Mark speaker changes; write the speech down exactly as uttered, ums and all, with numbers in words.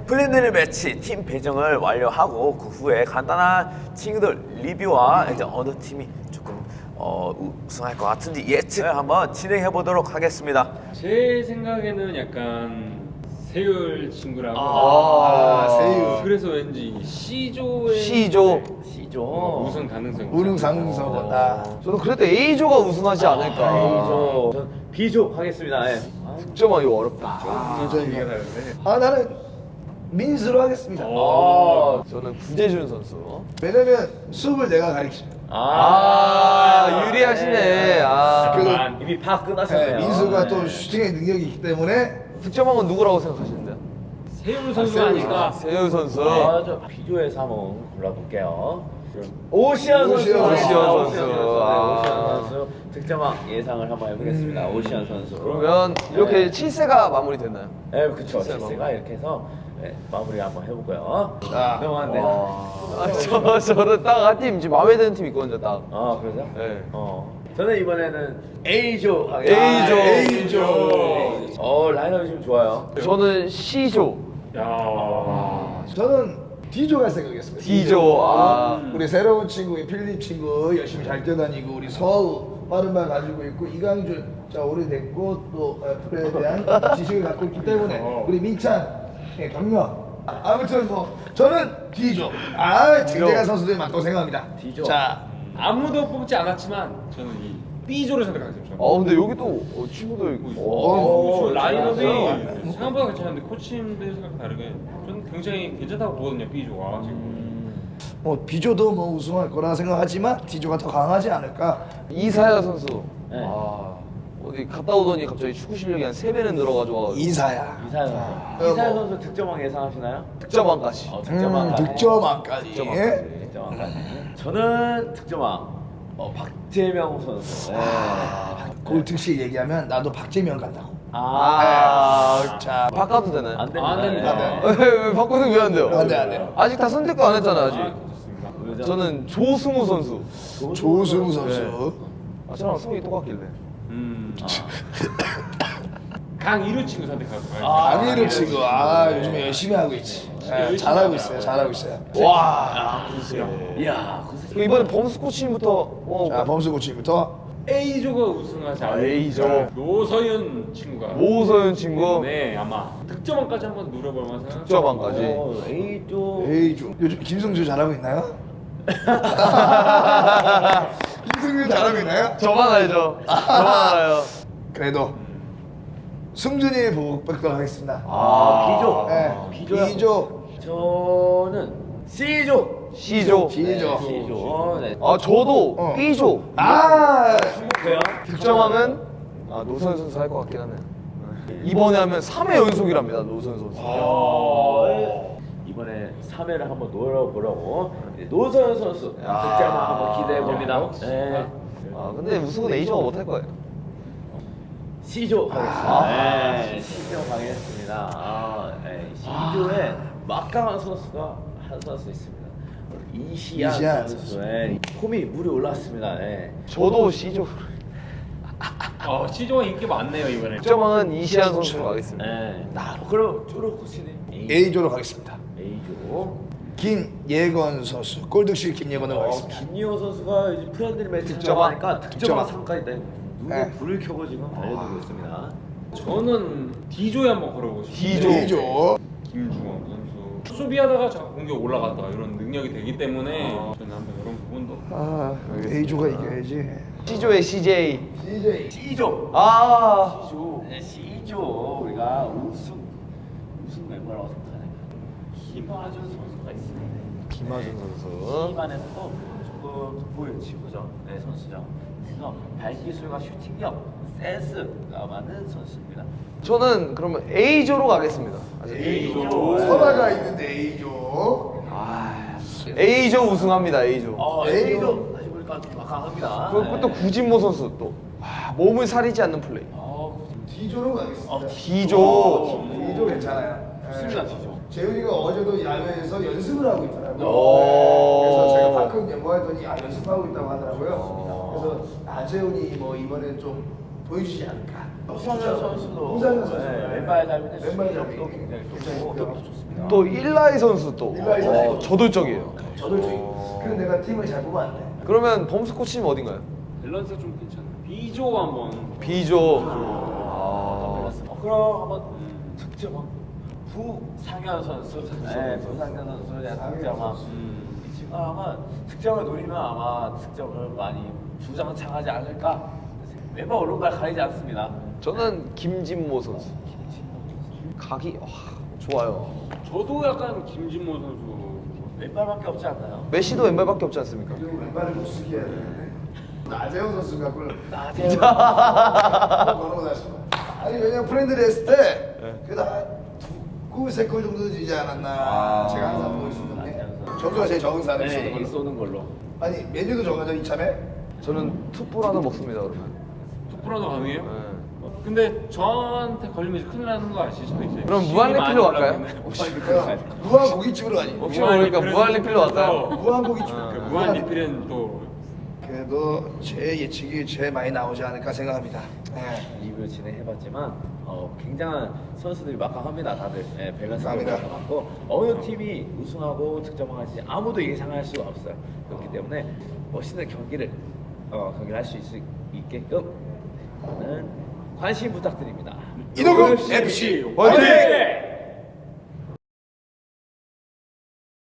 Speaker 1: 프렌들리 매치 팀 배정을 완료하고 그 후에 간단한 친구들 리뷰와 이제 어느 팀이 조금 어, 우승할 것 같은지 예측을 한번 진행해 보도록 하겠습니다.
Speaker 2: 제 생각에는 약간 세율 친구라고.
Speaker 3: 아, 아 세율.
Speaker 2: 그래서 왠지 C조의
Speaker 4: C조.
Speaker 1: C조
Speaker 2: 우승 가능성이.
Speaker 3: 우승 가능성이다.
Speaker 4: 저는 그래도 A조가 우승하지 않을까.
Speaker 1: A조 전 B조 하겠습니다. 예.
Speaker 4: 득점왕 이거 어렵다.
Speaker 3: 아, 아 나는 민수로 하겠습니다.
Speaker 1: 아,
Speaker 4: 저는 구재준 선수.
Speaker 3: 왜냐면 수업을 내가 가르치죠.
Speaker 4: 아, 유리하시네. 아.
Speaker 3: 그래도
Speaker 1: 이미 파
Speaker 3: 네,
Speaker 1: 끝났었네요.
Speaker 3: 민수가
Speaker 1: 네.
Speaker 3: 또 슈팅의 능력이 있기 때문에
Speaker 4: 득점왕은 누구라고 생각하시는데요?
Speaker 2: 세율 선수가 아닐까.
Speaker 4: 세율 선수.
Speaker 1: 아, 저 B조에서 한번 골라볼게요. 오시안 선수.
Speaker 3: 오시안,
Speaker 4: 오시안
Speaker 1: 오시안
Speaker 4: 선수.
Speaker 1: 선수.
Speaker 4: 아.
Speaker 1: 네, 오시안 선수 득점왕 예상을 한번 해보겠습니다.
Speaker 3: 음.
Speaker 1: 오시안 선수.
Speaker 4: 그러면 이렇게
Speaker 1: 네.
Speaker 4: 칠 세가 마무리됐나요?
Speaker 1: 네, 그쵸.
Speaker 4: 칠세
Speaker 1: 칠세가 이렇게 해서 네, 마무리 한번 해볼까요?
Speaker 3: 자,
Speaker 1: 명한데.
Speaker 4: 아, 저, 저는 딱 한 팀 지금 마음에 드는 팀 있거든요, 딱.
Speaker 1: 아, 그러세요?
Speaker 4: 네.
Speaker 1: 어. 저는 이번에는 A조 하겠습니다.
Speaker 4: A조.
Speaker 3: A조.
Speaker 1: 어, 라인업이 지금 좋아요.
Speaker 4: 저는 C조.
Speaker 2: 야.
Speaker 3: 저는 D조 갈 생각이었습니다.
Speaker 4: D조. 아.
Speaker 3: 우리 새로운 친구, 필립 친구 열심히 잘 뛰어다니고 우리 서우 빠른 발 가지고 있고 이강준 자 오래됐고 또 어, 프로에 대한 지식을 갖고 있기 때문에 우리 민찬 예, 경력 아, 아무튼 뭐 저는 D조. 아 진대가 선수들 맞다고 생각합니다.
Speaker 1: D조.
Speaker 3: 자
Speaker 2: 아무도 뽑지 않았지만 저는 이 B조를 선택하겠습니다.
Speaker 4: 아, 근데 여기 또 어, 친구도 있고.
Speaker 3: 어,
Speaker 2: 저 라인업이
Speaker 1: 좋았어요.
Speaker 2: 생각보다 괜찮은데 코치님들 생각 다르게 저는 굉장히 괜찮다고 보거든요. B조가 지금.
Speaker 3: 뭐 B조도 뭐 우승할 거라 생각하지만 D조가 더 강하지 않을까.
Speaker 4: 이사야 선수.
Speaker 1: 네.
Speaker 4: 아, 어디 갔다 오더니 갑자기 축구 실력이 한 세 배는 늘어가지고
Speaker 3: 이사야.
Speaker 1: 이사연 선수.
Speaker 3: 아,
Speaker 1: 이사연
Speaker 3: 뭐.
Speaker 1: 선수 득점왕 예상하시나요?
Speaker 4: 득점왕까지.
Speaker 1: 어,
Speaker 3: 음,
Speaker 1: 득점왕까지.
Speaker 3: 득점왕까지.
Speaker 4: 득점왕까지.
Speaker 1: 득점왕까지. 저는 득점왕. 어, 박재명 선수. 네.
Speaker 3: 그 특식 얘기하면 나도 박재명 간다고.
Speaker 1: 아,
Speaker 4: 아, 자, 바꿔도 되나요?
Speaker 1: 안 됩니다.
Speaker 2: 안 됩니다.
Speaker 1: 네.
Speaker 4: 왜, 왜 바꾸는 왜 안 돼요?
Speaker 3: 안 돼, 안 돼.
Speaker 4: 아직 다 선택도 안 했잖아요, 아직.
Speaker 2: 좋습니다.
Speaker 1: 그죠?
Speaker 4: 저는 조승우 선수.
Speaker 3: 조승우 선수.
Speaker 4: 아, 저랑 성이 똑같길래.
Speaker 2: 음. 강이루 친구 선택하고.
Speaker 1: 아,
Speaker 3: 강희루 친구. 아 요즘에 열심히 하고 있지. 네, 잘하고 있어요. 잘하고 있어요.
Speaker 4: 와.
Speaker 1: 이야,
Speaker 4: 그 이번에 범수 코치님부터 어,
Speaker 3: 자 범수 코치부터
Speaker 2: A조가 우승하지 않을까.
Speaker 4: A조.
Speaker 2: 노서윤 친구가.
Speaker 4: 오서윤 친구.
Speaker 2: 네, 아마 득점왕까지 한번 노려볼 만한 생각.
Speaker 4: 득점왕까지.
Speaker 1: 어, A조.
Speaker 3: 에이조. 요즘 김승주 잘하고 있나요? 김승주 잘하고 있나요?
Speaker 4: 저만 알죠. 저만 알아요.
Speaker 3: 그래도 승준이 보고 뺏도록 하겠습니다.
Speaker 1: 아, B조.
Speaker 3: 네,
Speaker 1: B조요?
Speaker 3: B조.
Speaker 1: 저는 C조.
Speaker 4: C조.
Speaker 3: C조.
Speaker 1: C조. 네.
Speaker 4: 아, 저도
Speaker 3: 어.
Speaker 4: B조.
Speaker 3: 아
Speaker 1: 행복해요.
Speaker 4: 득점왕은 아, 노선 선수 할 것 같긴 하네요. 이번에 하면 삼 회 연속이랍니다, 노선 선수.
Speaker 1: 어, 네. 이번에 삼 회를 한번 노려보려고 노서연 선수 득점왕 한번 기대해 봅니다. 네.
Speaker 4: 아, 근데 우승은 A조가 못할 거예요.
Speaker 1: C조 가겠습니다.
Speaker 4: 아.
Speaker 1: 네, C조 가겠습니다. 아, 네. C조에 막강한 선수가 한 선수 있습니다. 이시안,
Speaker 3: 이시안
Speaker 1: 선수의 폼이 물이 올랐습니다. 네.
Speaker 4: 저도 C조.
Speaker 2: 어, C조가 인기 많네요 이번에.
Speaker 4: 득점왕은 이시안 선수로 가겠습니다.
Speaker 1: 네. 나 그럼 쪼로 코치님
Speaker 3: A조로 가겠습니다.
Speaker 1: A조.
Speaker 3: 김예건 선수. 골득실 김예건으로
Speaker 1: 어,
Speaker 3: 가겠습니다.
Speaker 1: 김리호 선수가 이제 프렌들리 매치
Speaker 4: 득점왕.
Speaker 1: 득점하니까 득점왕
Speaker 3: 득점왕.
Speaker 1: 상까지 네. 눈에
Speaker 3: 네.
Speaker 1: 불을 켜고 지금 달려들고 있습니다.
Speaker 2: 저는 D조에 한번 걸어보고 싶어요.
Speaker 4: D조.
Speaker 3: A조.
Speaker 2: 김주원 선수. 수비하다가 자 공격 올라갔다가 이런 능력이 되기 때문에 저는 한번 이런 부분도.
Speaker 4: 아,
Speaker 3: A조가 이겨야지.
Speaker 4: C조의 씨제이.
Speaker 3: 씨제이.
Speaker 1: C조.
Speaker 4: 아.
Speaker 1: C조. 네, C조. 우리가 우승 우승 멤버라고 생각하는 김하준 선수가 있습니다.
Speaker 4: 김하준 선수.
Speaker 1: 팀안에서도 조금 돋보이는 친구죠. 네, 선수죠. 그래서 발기술과 슈팅력, 센스가 많은 선수입니다.
Speaker 4: 저는 그러면 A조로 가겠습니다.
Speaker 1: A조.
Speaker 3: 선화가 있는데 A조.
Speaker 4: 아, A조 우승합니다. A조.
Speaker 1: 어,
Speaker 3: A조.
Speaker 1: A조 다시 보니까 좀 막강합니다.
Speaker 4: 그리고 또 구진모 선수 또 아, 몸을 사리지 않는 플레이.
Speaker 1: 어,
Speaker 3: D조로 가겠습니다.
Speaker 1: 어,
Speaker 4: D조.
Speaker 3: D조 괜찮아요.
Speaker 1: 좋습니다,
Speaker 3: 네.
Speaker 1: D조.
Speaker 3: 재훈이가 어제도 야외에서 연습을 하고 있더라고요.
Speaker 4: 오.
Speaker 3: 그래서 제가 가끔 연구했더니 아 연습하고 있다고 하더라고요. 그래서 나재훈이 뭐 이번엔 좀 보여주지 않을까.
Speaker 1: 우상현 선수도
Speaker 3: 우상현 선수.
Speaker 1: 네, 왼발 잡이인데
Speaker 3: 왼발 잡이.
Speaker 1: 수비력도 굉장히 좋고 격도 좋습니다.
Speaker 4: 또 일라이 선수 또
Speaker 3: 일라이 선수.
Speaker 4: 어, 저돌적이에요.
Speaker 3: 저돌적이. 그래서 내가 팀을 잘 뽑았네.
Speaker 4: 그러면 범수 코치님 어딘가요?
Speaker 2: 밸런스가 좀 괜찮아요. B조 한번.
Speaker 4: B조. 아.
Speaker 1: 어, 그럼 한번 득점 부상현 선수, 네, 부상현 선수에 대한 득점 아마 이 친구 아마 득점을 노리면 아마 득점을 많이 주장창하지 않을까. 왼발 오른발 가리지 않습니다.
Speaker 4: 저는 김진모 선수. 각이 와, 좋아요.
Speaker 2: 저도 약간 김진모 선수.
Speaker 1: 왼발밖에 없지 않나요?
Speaker 4: 메시도 왼발밖에 없지 않습니까?
Speaker 3: 그리고 왼발을 못 쓰게 해야 되는데. 나재영 선수가 그걸
Speaker 1: 나재영
Speaker 3: 바로 나왔습니다. 아니 왜냐면 프렌드를 했을 때
Speaker 4: 네.
Speaker 3: 그래도 한두골 세 골 정도 지지 않았나
Speaker 4: 아.
Speaker 3: 제가 항상 보고 있었는데 점수가 제일 적은 사람이
Speaker 1: 네,
Speaker 3: 쏘는
Speaker 1: 이
Speaker 3: 걸로.
Speaker 1: 쏘는 걸로.
Speaker 3: 아니 메뉴도 정하죠 이참에.
Speaker 4: 저는 투볼 하나 먹습니다 그러면.
Speaker 2: 투프라도 가능해요?
Speaker 4: 네.
Speaker 2: 어, 근데 저한테 걸리면 이제 큰일 나는 거 아시죠? 이제
Speaker 4: 그럼
Speaker 2: 힘이
Speaker 4: 무한
Speaker 2: 많이
Speaker 4: 리필로 갈까요?
Speaker 2: 올라오면.
Speaker 3: 그냥 무한 고깃집으로 가니.
Speaker 4: 혹시 모르니까 무한 리필로 갈까요?
Speaker 3: 무한 고깃집.
Speaker 2: 그 무한 리필은 또
Speaker 3: 그래도 제 예측이 제일 많이 나오지 않을까 생각합니다. 네.
Speaker 1: 리뷰 진행해봤지만 어, 굉장한 선수들이 막강합니다. 다들 네, 밸런스가
Speaker 3: 감사합니다.
Speaker 1: 맞고 어느 팀이 우승하고 득점할지 아무도 예상할 수가 없어요. 그렇기 때문에 멋있는 경기를 어, 경기를 할 수 있게끔 관심 부탁드립니다.
Speaker 3: 이동국 에프씨
Speaker 4: 화이팅!
Speaker 2: 화이팅!